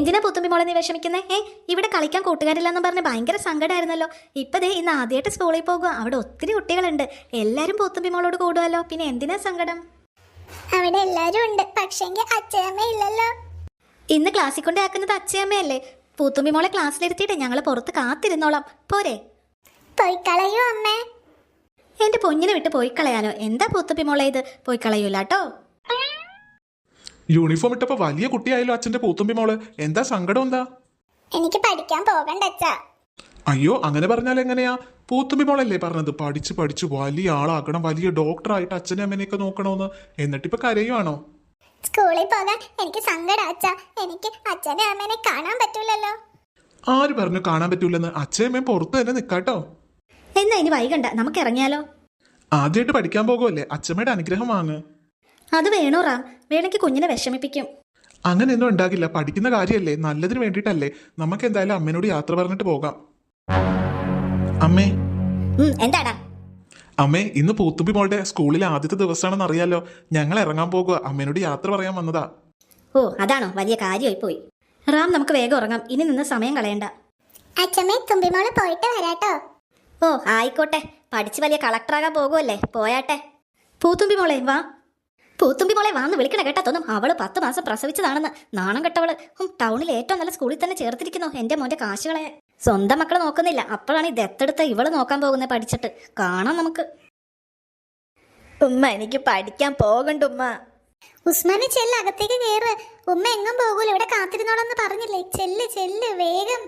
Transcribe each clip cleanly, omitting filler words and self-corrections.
എന്തിനാ പൂത്തുമ്പി മോളെ നീ വിഷമിക്കുന്നേ? ഇവിടെ കളിക്കാൻ കൂട്ടുകാരില്ലെന്ന് പറഞ്ഞ് ഭയങ്കര സങ്കടമായിരുന്നല്ലോ. ഇപ്പതേ ഇന്ന് ആദ്യമായിട്ട് സ്കൂളിൽ പോകുക. അവിടെ ഒത്തിരി കുട്ടികളുണ്ട്. എല്ലാരും പൂത്തുമ്പി മോളോട് കൂടുമല്ലോ. പിന്നെ എന്തിനാ സങ്കടം? അവിടെ എല്ലാരും ഉണ്ട്, പക്ഷെങ്കിൽ അച്ഛയമ്മ ഇല്ലല്ലോ. ഇന്ന് ക്ലാസ്സിൽ കൊണ്ട് ആക്കുന്നത് അച്ഛയമ്മയല്ലേ? പൂത്തുമ്പി മോളെ ക്ലാസ്സിലിരുത്തിയിട്ട് ഞങ്ങൾ പുറത്ത് കാത്തിരുന്നോളാം, പോരെ? പോയി കളയൂ അമ്മേ. എന്റെ പൊന്നിനെ വിട്ട് പോയി കളയാനോ? എന്താ പൂത്തുമ്പി മോളെ ഇത്? പോയി കളയൂലാട്ടോ. യൂണിഫോം ഇട്ടപ്പോ വലിയ കുട്ടിയായല്ലോ അച്ഛന്റെ പൂത്തുമ്പി മോള്. എന്താ സങ്കടം? എന്താ? എനിക്ക് പഠിക്കാൻ പോകണ്ട അച്ഛാ. അയ്യോ, അങ്ങനെ പറഞ്ഞാൽ എങ്ങനെയാ? പൂത്തുമ്പി മോളല്ലേ പറഞ്ഞത് പഠിച്ച് പഠിച്ച് വലിയ ആളാക്കണം, വലിയ ഡോക്ടറായിട്ട് അച്ഛനെ അമ്മനെയൊക്കെ നോക്കണോന്ന്. എന്നിട്ടിപ്പോ കരയുവാണോ? സ്കൂളിൽ പോകാൻ എനിക്ക് സങ്കടം അച്ഛാ. എനിക്ക് അച്ഛനെ അമ്മേനെ കാണാൻ പറ്റൂലല്ലോ. ആര് പറഞ്ഞു കാണാൻ പറ്റൂലെന്ന്? അച്ഛനമ്മയും പുറത്ത് തന്നെ നിക്കാട്ടോ. എന്നാ ഇനി വൈകണ്ട, നമുക്ക് ഇറങ്ങിയാലോ? ആദ്യമായിട്ട് പഠിക്കാൻ പോകുമല്ലേ, അച്ഛമ്മയുടെ അനുഗ്രഹം വാങ്ങ്. അത് വേണോ റാം? വേണമെങ്കിൽ കുഞ്ഞിനെ വിഷമിപ്പിക്കും. അങ്ങനെയൊന്നും ഉണ്ടാകില്ല. പഠിക്കുന്ന കാര്യമല്ലേ, നല്ലതിന് വേണ്ടിയിട്ടല്ലേ. നമുക്ക് എന്തായാലും അമ്മേനോട് യാത്ര പറഞ്ഞിട്ട് പോകാം. അമ്മേ. എന്താടാ? അമ്മേ, ഇന്ന് പൂത്തുമ്പി മോളുടെ സ്കൂളിലെ ആദ്യത്തെ ദിവസമാണെന്ന് അറിയാലോ. ഞങ്ങൾ ഇറങ്ങാൻ പോകുക. അമ്മേനോട് യാത്ര പറയാൻ വന്നതാ. ഓ, അതാണോ? വലിയ കാര്യമായി പോയി. റാം, നമുക്ക് വേഗം ഉറങ്ങാം. ഇനി നിന്ന് സമയം കളയണ്ട. അച്ഛമ്മേ, തുമ്പിമോള് പോയിട്ട് വരാട്ടോ. ഓ, ആയിക്കോട്ടെ. പഠിച്ച് വലിയ കളക്ടറാകാൻ പോകുമല്ലേ, പോയാട്ടെ. പൂത്തുമ്പി മോളെ വാ. പൂത്തുമ്പി മോളെ വാന്ന് വിളിക്കണ കേട്ടാ തോന്നും അവള് 10 മാസം പ്രസവിച്ചതാണെന്ന്. നാണം കെട്ടവള്. ടൗണിൽ ഏറ്റവും നല്ല സ്കൂളിൽ തന്നെ ചേർത്തിരിക്കുന്നു എന്റെ മോന്റെ കാശുകളെ. സ്വന്തം മക്കളെ നോക്കുന്നില്ല, അപ്പോഴാണ് ഈ ദത്തെടുത്ത ഇവള് നോക്കാൻ പോകുന്നത്. പഠിച്ചിട്ട് കാണാം നമുക്ക്. ഉമ്മ, എനിക്ക് പഠിക്കാൻ പോകണ്ട ഉമ്മ. ഉസ്മാനെ ചെല്ല്, അകത്തേക്ക് കയറ്. ഉമ്മ എങ്ങും പോകൂല, ഇവിടെ കാത്തിരുന്നോളന്ന് പറഞ്ഞില്ലേ. ചെല്ല് ചെല്ല് വേഗം.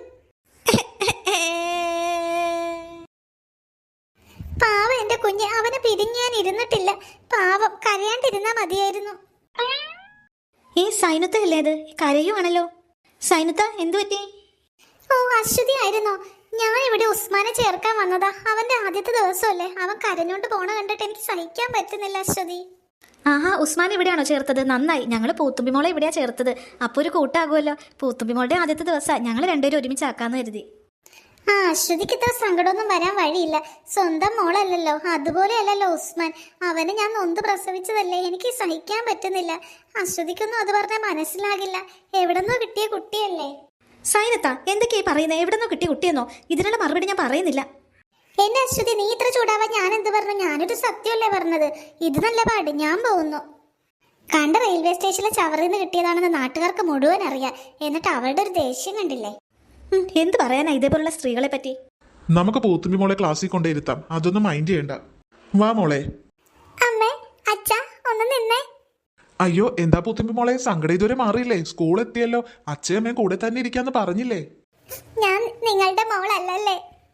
പാവം എന്റെ കുഞ്ഞ്, അവനെ പിരിഞ്ഞാൻ ഇരുന്നിട്ടില്ല. പാവം, കരയാണ്ടിരുന്നാ മതിയായിരുന്നു. ഈ സൈനുത്ത അല്ലേ ഇത്? കരയുവാണല്ലോ. സൈനുത്ത, എന്തു പറ്റി? ഓ, അശ്വതി ആയിരുന്നോ? ഞാൻ ഇവിടെ ഉസ്മാനെ ചേർക്കാൻ വന്നതാ. അവന്റെ ആദ്യത്തെ ദിവസമല്ലേ. അവൻ കരഞ്ഞോണ്ട് പോണ കണ്ടിട്ട് എനിക്ക് സഹിക്കാൻ പറ്റുന്നില്ല അശ്വതി. ആഹാ, ഉസ്മാൻ ഇവിടെയാണോ ചേർത്തത്? നന്നായി. ഞങ്ങൾ പൂത്തുമ്പി മോളെ ഇവിടെയാ ചേർത്തത്. അപ്പോൾ ഒരു കൂട്ടാകുമല്ലോ. പൂത്തുമ്പി മോളുടെ ആദ്യത്തെ ദിവസം ഞങ്ങൾ രണ്ടുപേരും ഒരുമിച്ചാക്കാന്ന് കരുതി. ആ, അശ്വതിക്ക് ഇത്ര സങ്കടമൊന്നും വരാൻ വഴിയില്ല. സ്വന്തം മോളല്ലല്ലോ. അതുപോലെ അല്ലല്ലോ ഉസ്മാൻ. അവനെ ഞാൻ നൊന്ത് പ്രസവിച്ചതല്ലേ. എനിക്ക് സഹിക്കാൻ പറ്റുന്നില്ല. അശ്വതിക്കൊന്നും അത് പറഞ്ഞാൽ മനസ്സിലാകില്ല. എവിടെന്നോ കിട്ടിയ കുട്ടിയല്ലേ. സൈനത്ത, എന്തൊക്കെയായി പറയുന്നത്? എവിടെന്നോ കിട്ടിയ കുട്ടിയെന്നോ? ഇതിനുള്ള മറുപടി ഞാൻ പറയുന്നില്ല. എന്റെ അശ്വതി, നീ ഇത്ര ചൂടാവാൻ ഞാൻ എന്ത് പറഞ്ഞു? ഞാനൊരു സത്യമല്ലേ പറഞ്ഞത്. ഇത് നല്ല പാട്. ഞാൻ പോകുന്നു. കണ്ട റെയിൽവേ സ്റ്റേഷനിലെ ചവറിന്ന് കിട്ടിയതാണെന്ന് നാട്ടുകാർക്ക് മുഴുവൻ അറിയാം. എന്നിട്ട് അവളുടെ ഒരു ദേഷ്യം കണ്ടില്ലേ. എന്ത് പറയാനാ ഇതേപോലുള്ള സ്ത്രീകളെ പറ്റി? നമുക്ക് പൂത്തുമ്പി മോളെ ക്ലാസ്സിൽ കൊണ്ടിരുത്താം. അതൊന്നും മൈൻഡ് ചെയ്യണ്ട. വാ മോളെ. അമ്മേ, അച്ഛാ, ഒന്ന് നിന്നേ. അയ്യോ, എന്താ പൂത്തുമ്പി മോളെ, സങ്കടം ഇതുവരെ മാറിയില്ലേ? സ്കൂൾ എത്തിയല്ലോ. അച്ഛയമ്മയും കൂടെ തന്നെ ഇരിക്കാന്ന് പറഞ്ഞില്ലേ? ഞാൻ നിങ്ങളുടെ മോളല്ലല്ലേ.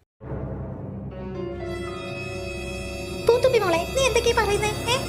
പൂത്തുമ്പി മോളെ, നീ എന്തൊക്കെയാ പറയുന്നേ?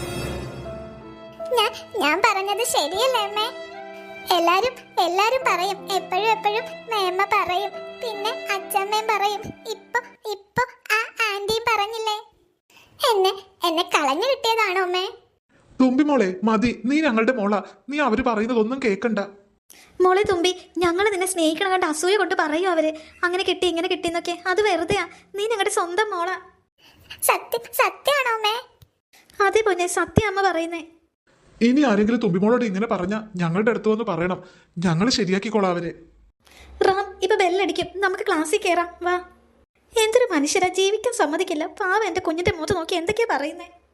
ഞാൻ പറഞ്ഞത് ശരിയല്ലേ അമ്മേ? എല്ലാരും പറയും, എപ്പോഴും മേമ്മ പറയും, പിന്നെ അച്ഛമ്മയും പറയും, ഇപ്പൊ ആ ആന്റിയും പറഞ്ഞില്ലേ. എന്നെ കളഞ്ഞു കിട്ടിയതാണോ അമ്മേ? തുമ്പി മോളെ മതി. നീ ഞങ്ങളുടെ മോളാ. നീ അവര് പറയുന്നതൊന്നും കേൾക്കണ്ട. മോളെ തുമ്പി, ഞങ്ങൾ നിന്നെ സ്നേഹിക്കണം കണ്ട് അസൂയ കൊണ്ട് പറയും അവര്. അങ്ങനെ കിട്ടി ഇങ്ങനെ കിട്ടിന്നൊക്കെ. അത് വെറുതെയാ. നീ ഞങ്ങളുടെ സ്വന്തം മോളാ. സത്യമാണോ അമ്മേ? അതെ പൊന്നെ, സത്യം അമ്മ പറയുന്നേ. ഇനി ആരെങ്കിലും തുമ്പിമോളോട് ഇങ്ങനെ പറഞ്ഞാൽ ഞങ്ങളുടെ അടുത്ത് വന്ന് പറയണം. ഞങ്ങൾ ശരിയാക്കിക്കോളാം അവരെ. റാം, ഇപ്പൊ ബെല്ലടിക്കും. നമുക്ക് ക്ലാസ്സിൽ കയറാം, വാ. എന്തൊരു മനുഷ്യരാ, ജീവിക്കാൻ സമ്മതിക്കില്ല. പാവം എന്റെ കുഞ്ഞിന്റെ മുഖത്ത് നോക്കി എന്തൊക്കെയാ പറയുന്നേ.